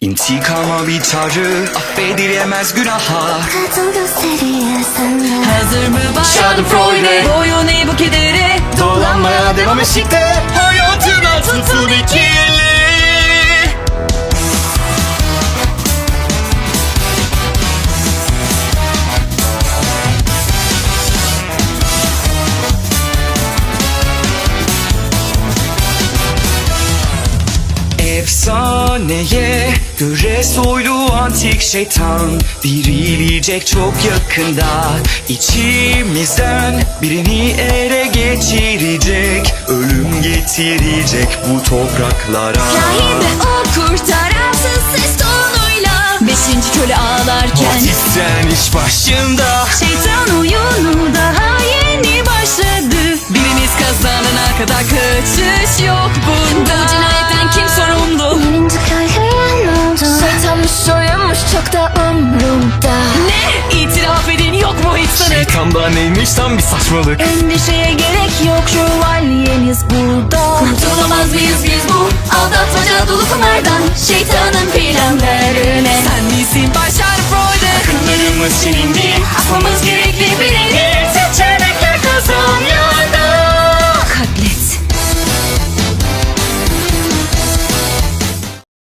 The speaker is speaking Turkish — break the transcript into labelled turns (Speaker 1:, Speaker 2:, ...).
Speaker 1: İntikama bir çağrı, affedilemez günaha.
Speaker 2: Kadın gösteriye senden.
Speaker 3: Hazır mı bayan
Speaker 1: Schadenfreude.
Speaker 3: Boyun eğ bu kedere.
Speaker 1: Dolanmaya devam eşikte. Hayatına tutun ikili. Efsaneye göre soylu antik şeytan dirilecek çok yakında. İçimizden birini ele geçirecek, ölüm getirecek bu topraklara.
Speaker 3: Rahibe o kurtaransız ses tonuyla. Beşinci köle ağlarken
Speaker 1: Batisten iş başında.
Speaker 3: şeytan oyunu daha yeni başladı. Biriniz kazanana kadar kaçış yok bunda. Bu cinayetten kim sorumlu?
Speaker 2: Birinci köylüye ne oldu? Şeytanmış soyunmuş çok da umrumda.
Speaker 3: Ne? İtiraf edin, yok mu hiç sanık?
Speaker 1: Şeytanda neymiş tam bir saçmalık.
Speaker 3: Endişeye gerek yok, şövalyeniz burada. Kurtulamaz mıyız biz bu aldatmaca dolu kumardan? Şeytanın planlarına sen misin başar Freud'e?
Speaker 1: Akıllarımız silindi.